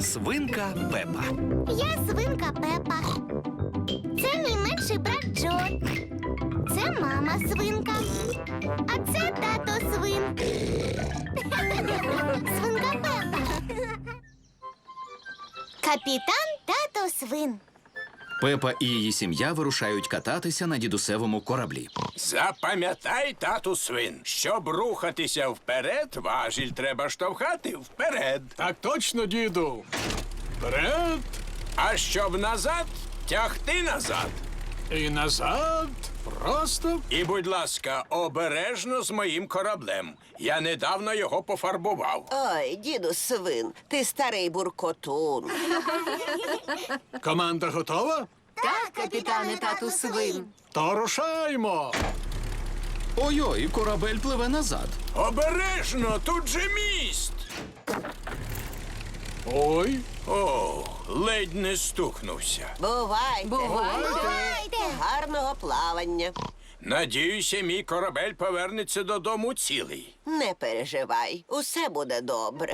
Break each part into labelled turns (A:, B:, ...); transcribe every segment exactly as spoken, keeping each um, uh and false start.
A: Свинка Пепа.
B: Я свинка Пепа. Це мій менший брат Джо. Це мама свинка. А це тато свин. Свинка Пепа. Капітан тато свин.
A: Пепа і її сім'я вирушають кататися на дідусевому кораблі.
C: Запам'ятай, тату свин, щоб рухатися вперед, важіль треба штовхати вперед.
D: Так точно, діду. Вперед
C: А щоб назад, тягти назад.
D: і назад. Просто.
C: І, будь ласка, обережно з моїм кораблем. Я недавно його пофарбував.
E: Ой, діду свин, ти старий буркотун.
D: Команда готова?
F: Так, капітане тату свин.
D: То рушаймо.
A: Ой-ой, корабель пливе назад.
C: Обережно, тут же міст.
D: Ой,
C: О, ледь не стукнувся.
E: Бувайте.
B: Бувайте!
E: Гарного плавання.
C: Надіюся, мій корабель повернеться додому цілий.
E: Не переживай, усе буде добре.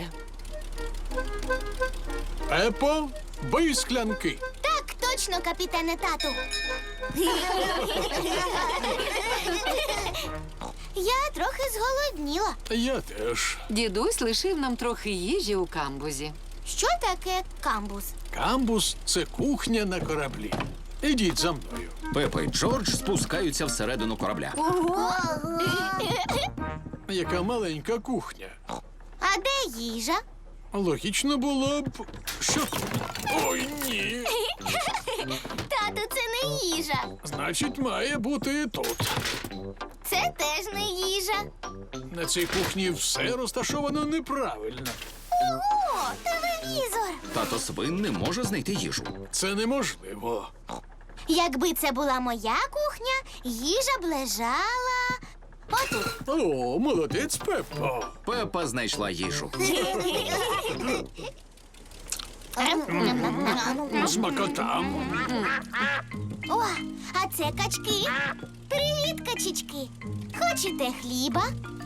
D: Пепо, бий склянки.
B: Так точно, капітане тату. Я трохи зголодніла.
D: Я теж.
F: Дідусь лишив нам трохи їжі у камбузі.
B: Що таке камбуз?
D: Камбус – це кухня на кораблі. Ідіть за мною.
A: Пепа і Джордж спускаються всередину корабля.
D: Яка маленька кухня.
B: А де їжа?
D: Логічно було б, що... Ой, ні.
B: Тату, це не їжа.
D: Значить, має бути тут.
B: Це теж не їжа.
D: На цій кухні все розташовано неправильно.
B: Ого, телевізор.
A: Тато свин не може знайти їжу.
D: Це неможливо.
B: Якби це була моя кухня, їжа б лежала отут.
D: О, молодець, Пеппо.
A: Пепа знайшла їжу.
D: Смакота.
B: О, а це качки. Привіт, качечки. Хочете хліба?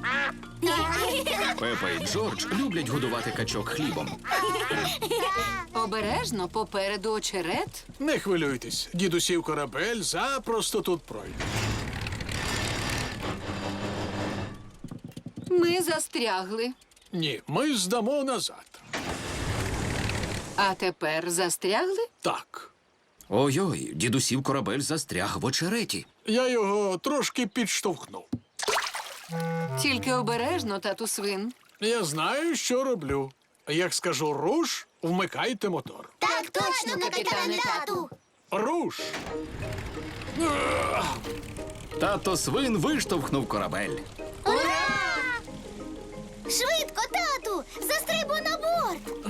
A: Пепа і Джордж люблять годувати качок хлібом.
F: Обережно попереду очерет.
D: Не хвилюйтесь, дідусів корабель запросто тут пройде.
F: Ми застрягли.
D: Ні, ми здамо назад.
F: А тепер застрягли?
D: Так.
A: Ой-ой, дідусів корабель застряг в очереті.
D: Я його трошки підштовхнув.
F: Тільки обережно, тату свин.
D: Я знаю, що роблю. Як скажу руш, вмикайте мотор.
B: Так точно, капітане тату.
D: Руш!
A: Тато свин виштовхнув корабель.
B: Швидко, тату! Застрибуй на борт!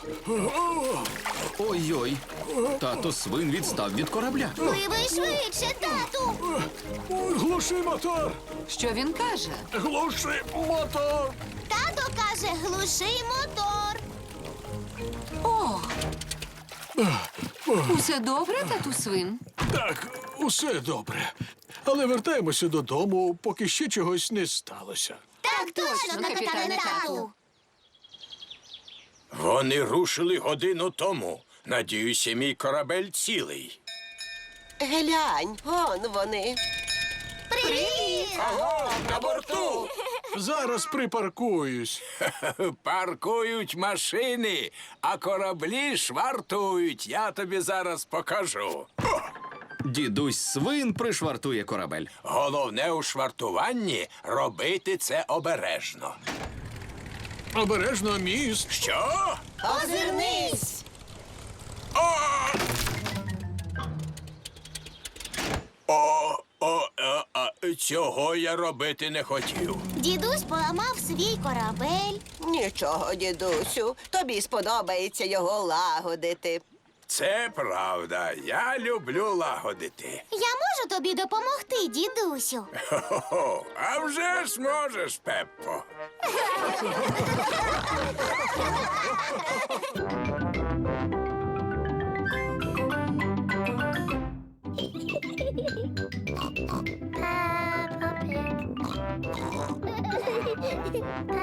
A: Ой-ой, тато свин відстав від корабля.
B: Пливи швидше, тату!
D: Глуши мотор!
F: Що він каже?
D: Глуши мотор!
B: Тато каже, глуши мотор.
F: О! Усе добре, тату свин?
D: Так, усе добре. Але вертаємося додому, поки ще чогось не сталося.
B: Так точно, капітане тату.
C: Вони рушили годину тому. Надіюся, мій корабель цілий.
E: Глянь, он вони.
B: Привіт!
C: Аго, на борту!
D: Зараз припаркуюсь.
C: Паркують машини, а кораблі швартують. Я тобі зараз покажу.
A: Дідусь свин пришвартує корабель.
C: Головне у швартуванні — робити це обережно.
D: Обережно міст.
C: Що?
E: Озирнись!
C: О! О, о, е, а, цього я робити не хотів.
B: Дідусь поламав свій корабель.
E: Нічого, дідусю, тобі сподобається його лагодити.
C: Це правда. Я люблю лагодити.
B: Я можу тобі допомогти, дідусю.
C: Хо-хо, а вже ж можеш, Пеппо.
B: Peppa Pig.